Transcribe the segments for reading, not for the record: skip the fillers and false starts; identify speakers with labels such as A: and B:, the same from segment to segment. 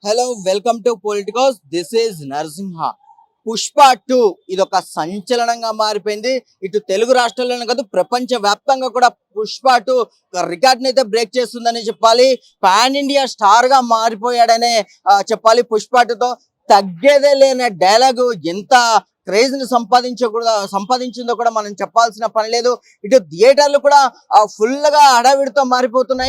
A: Hello welcome to Politicos. This is Narasimha. Pushpa 2 ఇదొక సంచలనంగా మారిపోయింది. ఇటు తెలుగు రాష్ట్రాల్లోనే కాదు, ప్రపంచ వ్యాప్తంగా కూడా పుష్ప 2 రికార్డ్ని అయితే బ్రేక్ చేస్తుందని చెప్పాలి. పాన్ ఇండియా స్టార్ గా మారిపోయాడనే చెప్పాలి. పుష్ప 2తో తగ్గేదే లేని డైలాగు ఎంత క్రేజ్ ని సంపాదించిందో కూడా మనం చెప్పాల్సిన పని లేదు. ఇటు థియేటర్లు కూడా ఫుల్ గా హడావిడితో మారిపోతున్నాయి.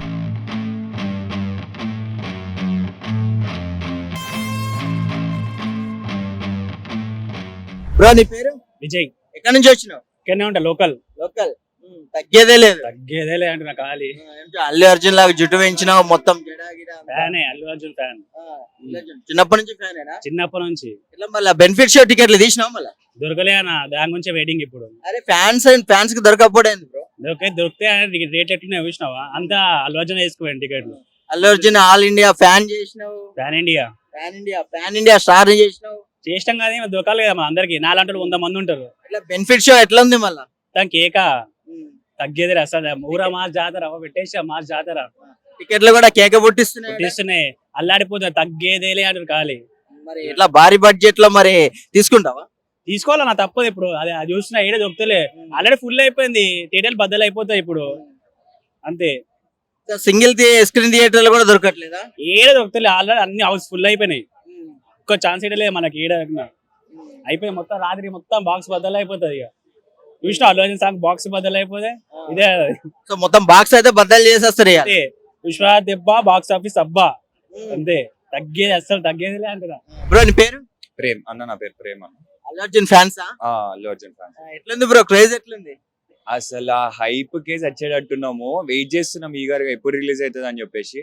A: బ్రో, నీ పేరు?
B: విజయ్.
A: ఎక్కడి నుంచి వచ్చినావు?
B: ఇక్కడనే ఉంటా, లోకల్.
A: లోకల్. తగ్గేదే లేదు.
B: తగ్గేదే అంటే నాకు ఖాళీ.
A: అల్లు అర్జున్ లాగా జుట్టు పెంచినావు, మొత్తం
B: ఫ్యానే, అల్లు అర్జున్ ఫ్యాన్.
A: చిన్నప్పటి నుంచి ఫ్యానేనా?
B: చిన్నప్పటి నుంచి.
A: ఇట్లా మళ్ళీ బెనిఫిట్ షో టికెట్లు తీసినావు మళ్ళీ?
B: దొరకలే అన్న, దాని గురించి వెయిటింగ్ ఇప్పుడు.
A: అరే ఫ్యాన్స్ కి దొరకపోయింది బ్రో.
B: దొరికితే రేట్ ఎట్లా చూసినావా? అంతా అల్లు అర్జున్ వేసుకోండి టికెట్లు.
A: Allu Arjun all India fan చేసినావు.
B: ఫ్యాన్
A: ఇండియా స్టార్ చేసినావు.
B: చేష్టం కాదు, దొరకాలి కదా మన అందరికి. నాలంటారు 100 మంది ఉంటారు.
A: ఇట్లా బెనిఫిట్ షో ఎట్లా ఉంది మళ్ళా?
B: దాని కేక తగ్గేది అసలు. ఊరా మాస్ జాతర పెట్టేసా, మాస్ జాతర.
A: టికెట్లు కూడా కేక పుట్టిస్తున్నాయి.
B: అల్లాడిపోతుంది. తగ్గేదేలే అంటారు ఖాళీ.
A: మరి ఇట్లా భారీ బడ్జెట్ లో మరి తీసుకుంటావా?
B: తీసుకోవాలన్నా, తప్పదు ఇప్పుడు. అది చూసినా ఏడే దొరుకుతలే. ఆల్రెడీ ఫుల్ అయిపోయింది, థియేటర్లు బద్దలు అయిపోతాయి ఇప్పుడు. అంతే.
A: సింగిల్ స్క్రీన్ థియేటర్లు కూడా దొరకట్లేదా?
B: ఏడే దొరుకుతలే, ఆల్రెడీ అన్ని హౌస్ ఫుల్ అయిపోయినాయి. ఒక్క ఛాన్స్ ఇవ్వలేదు మనకి. ఏడ అయిపోయి మొత్తం రాత్రి మొత్తం బాక్స్ బద్దలు అయిపోతుంది. ఇక చూసిన అల్లు అర్జున్ సాంగ్ బాక్స్ బద్దలు అయిపోతే ఇదే.
A: సో మొత్తం బాక్స్ అయితే బద్దలు చేసేస్తారు.
B: పుష్ప దెబ్బ బాక్స్ ఆఫీస్ అబ్బా. అంతే. తగ్గేది అసలు తగ్గేదిలే అంటారా.
A: బ్రో, నీ పేరు?
C: ప్రేమ్ అన్న. నా పేరు ప్రేమ్ అన్న.
A: అల్లు అర్జున్ ఫ్యాన్స్?
C: అల్లు అర్జున్ ఫ్యాన్స్.
A: ఎట్లుంది బ్రో, క్రేజ్ ఎట్లుంది?
C: అసలు ఆ హైప్ కేసు వచ్చేటట్టున్నాము. వెయిట్ చేస్తున్నాం ఈగర్ గా ఎప్పుడు రిలీజ్ అవుతుంది అని చెప్పేసి.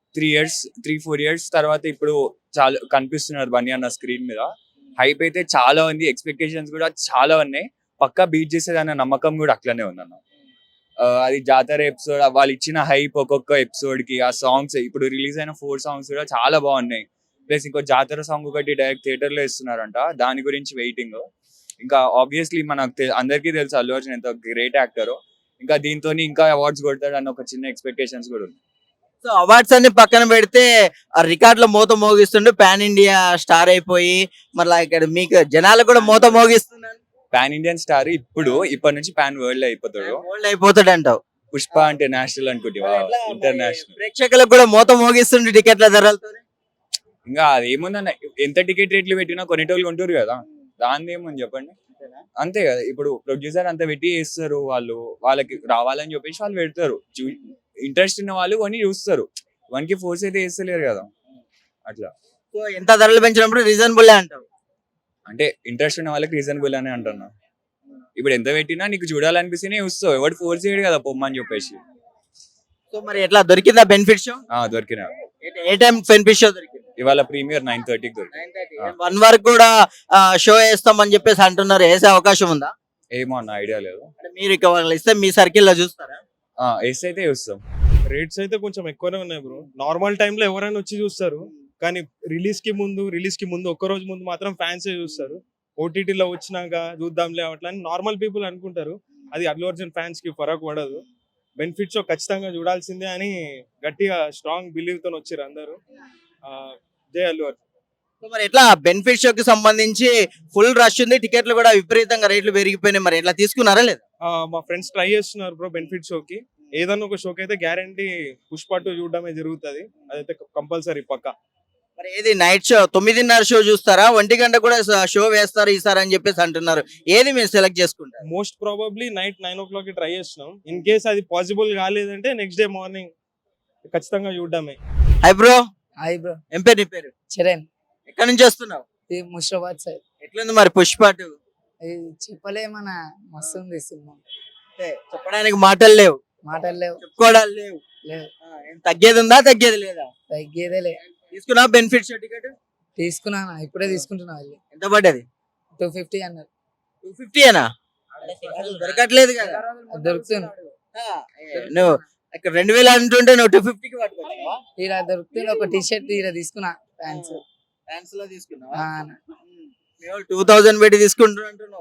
C: 3-4 years తర్వాత ఇప్పుడు చాలా కనిపిస్తున్నారు బన్నీ అన్న స్క్రీన్ మీద. హైప్ అయితే చాలా ఉంది, ఎక్స్పెక్టేషన్స్ కూడా చాలా ఉన్నాయి. పక్కా బీట్ చేసేది అన్న నమ్మకం కూడా అట్లనే ఉందన్న. అది జాతర ఎపిసోడ్, వాళ్ళు ఇచ్చిన హైప్ ఒక్కొక్క ఎపిసోడ్ కి, ఆ సాంగ్స్ ఇప్పుడు రిలీజ్ అయిన 4 songs కూడా చాలా బాగున్నాయి. ప్లస్ ఇంకో జాతర సాంగ్ ఒకటి డైరెక్ట్ థియేటర్ లో ఇస్తున్నారంట, దాని గురించి వెయిటింగ్. ఇంకా ఆబ్వియస్లీ మనకు అందరికీ తెలుసు అల్లు అర్జున్ ఎంత గ్రేట్ యాక్టర్. ఇంకా దీంతో ఇంకా అవార్డ్స్ కొడతాడు అన్న ఒక చిన్న ఎక్స్పెక్టేషన్స్ కూడా ఉంది.
A: సో అవార్డ్స్ అన్ని పక్కన పెడితే ఆ రికార్డ్ లో మోత మోగిస్తుండే పాన్ ఇండియా స్టార్ అయిపోయి, మళ్ళీ ఇక్కడ మీకు జనాలు కూడా మోత మోగిస్తున్నాడు.
C: పాన్ ఇండియన్ స్టార్ ఇప్పటి నుంచి పాన్ వరల్డ్
A: అయిపోతాడు అంటావు.
C: పుష్ప అంటే నేషనల్ అనుకుంటా, ఇంటర్నేషనల్.
A: ప్రేక్షకులకు కూడా మోత మోగిస్తుండే టికెట్ల ధరలతో.
C: ఇంకా అదేముందన్న, ఎంత టికెట్ రేట్లు పెట్టినా కొనేటోళ్ళు ఉంటారు కదా, దాని ఏమని చెప్పండి. అంతే కదా. ఇప్పుడు ప్రొడ్యూసర్ అంత పెట్టి చేస్తారు, వాళ్ళకి రావాలని చెప్పేసి వాళ్ళు పెడతారు. ఇంట్రెస్ట్ ఉన్న వాళ్ళు కొని చూస్తారు, వానికి ఫోర్స్ అయితే చేస్తలేరు కదా అట్లా.
A: సో ఎంత ధరలు పెంచినప్పుడు రీజనబుల్ అంటావు?
C: అంటే ఇంట్రెస్ట్ ఉన్న వాళ్ళకి రీజనబుల్ అని అంటున్నా. ఇప్పుడు ఎంత పెట్టినా నీకు చూడాలనిపిస్తేనే చూస్తావు, ఎవరు ఫోర్స్ చేయడు కదా పొమ్మని చెప్పేసి.
A: సో మరి ఎట్లా దొరికిందా బెనిఫిట్ షో?
C: దొరికినా.
A: ఏ టైం బెనిఫిట్ షో దొరికింది?
C: ఇవాళ ప్రీమియర్ 9:30కి దొరికింది.
A: 1 వరకు కూడా షో వేస్తామని చెప్పేసి అంటున్నారు. వేసే అవకాశం ఉందా?
C: ఏమో అన్న, ఐడియా లేదు.
A: మీరు ఇక వాళ్ళు ఇస్తే మీ సర్కిల్ లో చూస్తారా?
C: వేస్తే అయితే చూస్తాం.
D: రేట్స్ అయితే కొంచెం ఎక్కువనే ఉన్నాయి బ్రో. నార్మల్ టైంలో ఎవరైనా వచ్చి చూస్తారు, కానీ రిలీజ్ కి ముందు ఒక్క రోజు ముందు మాత్రం ఫ్యాన్స్ చూస్తారు. ఓటీటీలో వచ్చినాక చూద్దాంలే అట్లా అని నార్మల్ పీపుల్ అనుకుంటారు. అది అల్లు అర్జున్ ఫ్యాన్స్ కి ఫరక్ పడదు. బెనిఫిట్ షో ఖచ్చితంగా చూడాల్సిందే అని గట్టిగా స్ట్రాంగ్ బిలీవ్ తో వచ్చారు అందరూ. జై అల్లు అర్జున్.
A: మరి ఎట్లా బెనిఫిట్ షోకి సంబంధించి ఫుల్ రష్ ఉంది, టికెట్లు కూడా విపరీతంగా రేట్లు పెరిగిపోయినాయి. మరి ఎట్లా తీసుకున్నారా లేదా?
D: మా ఫ్రెండ్స్ ట్రై చేస్తున్నారు బ్రో బెనిఫిట్ షోకి. ఏదన్నా ఒక షోకి అయితే గ్యారంటీ పుష్ప 2 చూడడమే జరుగుతుంది, అదైతే కంపల్సరీ పక్కా.
A: మరి ఏది నైట్ షో 9:30 షో చూస్తారా? 1 గంట కూడా షో వేస్తారు ఈసారి అని చెప్పేసి అంటున్నారు. ఏది మీరు సెలెక్ట్ చేసుకుంటారు?
D: మోస్ట్ ప్రాబబ్లీ నైట్ 9 o'clock కి ట్రై చేస్తున్నాం. ఇన్ కేస్ అది పాసిబుల్ కాలేదంటే నెక్స్ట్ డే మార్నింగ్ ఖచ్చితంగా చూడడమే.
A: Hi bro.
E: Hi bro.
A: ఏం పేరు నీ పేరు?
E: చరణ్.
A: ఎక్కడి నుంచి వస్తున్నావు?
E: ముషరాబాద్ సైడ్.
A: ఎట్లుంది మరి పుష్ప 2?
E: చెప్పలేమన్నా, మస్తు ఉంది సినిమా.
A: చెప్పడానికి మాటలు లేవు, చెప్పుకోవడాలు లేవు. తగ్గేది ఉందా, తగ్గేది లేదా?
E: తగ్గేదేలే.
A: తీసుకున్నా బెనిఫిట్ షో టికెట్?
E: తీసుకున్నాను, ఇప్పుడే తీసుకుంటున్నా.
A: ఎంత పడ్డది?
E: 250 అన్నారు.
A: 250 ఏనా? దొరకట్లేదు కదా.
E: దొరుకుతుంది.
A: నువ్వు ఇక్కడ 2000 అంటుంటే నువ్వు 250కి పట్టుకోవచ్చావా?
E: ఇలా దొరుకుతుంది. ఒక టీ షర్ట్ ఇలా తీసుకున్నా,
A: ఫ్యాన్స్ లో తీసుకున్నావా? 2000 పెట్టి తీసుకుంటున్నా అంటున్నావు.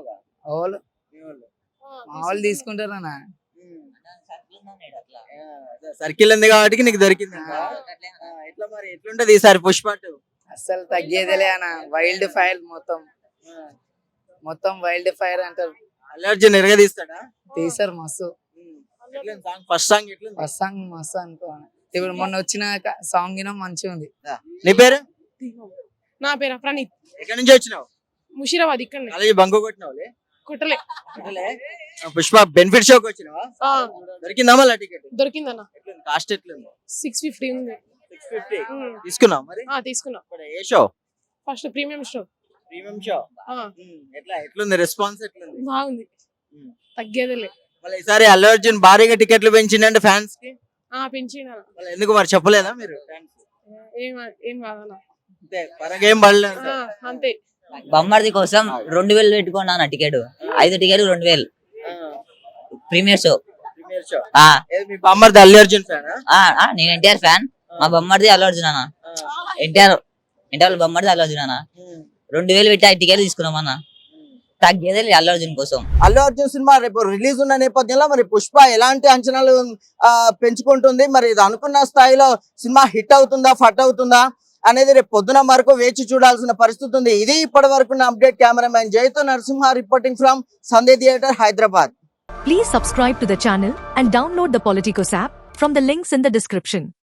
E: మా వాళ్ళు తీసుకుంటారన్నా.
A: సర్కిల్ ఉంది కాబట్టి నీకు దొరికింది. ఎట్లా మరి ఎట్లుంటది ఈసారి పుష్ప 2?
E: అస్సలు తగ్గేదిలే అన్న. వైల్డ్ ఫైర్ మొత్తం వైల్డ్ ఫైర్ అంటారు.
A: అల్లు అర్జున్ ఎరగదీస్తాడా?
E: తీసారు మస్తు.
A: ఫస్ట్ సాంగ్ ఎట్లుంది?
E: ఫస్ట్ సాంగ్ మస్తు అనుకో అన్న. ఇప్పుడు మొన్న వచ్చిన సాంగ్ మంచిగా ఉంది.
A: నీ పేరు?
F: నా పేరు ప్రణీత్.
A: ఎక్కడి నుంచి వచ్చినావు?
F: ముషీరాబాద్ ఇక్కడనే.
A: కాలేజీ బంకు కొట్టినావులే?
F: కొట్టలే.
A: పుష్ప బెనిఫిట్ షోకి వచ్చినావా?
F: ఆ,
A: దొరికిందా మళ్ళీ టికెట్?
F: దొరికిందన్న.
A: కాస్ట్ ఎట్లుంది?
F: 650 ఉంది.
A: 650.
F: ఉమ్.
A: తీసుకున్నావు మరి?
F: తీసుకున్నా.
A: ఇప్పుడు ఏ show?
F: First premium show.
A: Premium show.
F: ఆ,
A: ఎట్లుంది రెస్పాన్స్ ఎట్లుంది?
F: బాగుంది.
A: ఉమ్.
F: తగ్గేదిలే.
A: మళ్ళీ ఈసారి అల్లు అర్జున్ భారీగా టికెట్లు పెంచిందంటే ఫ్యాన్స్ కి
F: పెంచిన.
A: మళ్ళీ ఎందుకు మరి చెప్పలేదా మీరు?
F: ఏం ఏం కాదన్న.
A: అంతే పరంగా ఏం పడలేదు.
F: అంతే.
G: బొమ్మర్ది కోసం 2000 పెట్టుకున్నాను ticket. 5 ticket 2000 premiere show.
A: Premiere show. మీ బామ్మర్ది అల్లు అర్జున్ ఫ్యానా?
G: నేను ఎన్టీఆర్ ఫ్యాన్. మా బొమ్మర్ది అల్లు అర్జున్ అన్న. ఎన్టీఆర్ బొమ్మర్ది అల్లు అర్జున్ అన్న. 2000 పెట్టి 5 టికెట్ తీసుకున్నాం అన్న. తగ్గేదే అల్లు అర్జున్ కోసం.
A: అల్లు అర్జున్ సినిమా రేపు రిలీజ్ ఉన్న నేపథ్యంలో మరి పుష్ప ఎలాంటి అంచనాలు పెంచుకుంటుంది? మరి ఇది అనుకున్న స్థాయిలో సినిమా హిట్ అవుతుందా ఫట్ అవుతుందా అనేది రేపు పొద్దున వరకు వేచి చూడాల్సిన పరిస్థితి ఉంది. ఇది ఇప్పటి వరకు అప్డేట్. కెమెరామ్యాన్ జయతో Narasimha reporting from Sandhya theatre, Hyderabad.
H: Please subscribe to the channel and download the Politicos app from the links in the description.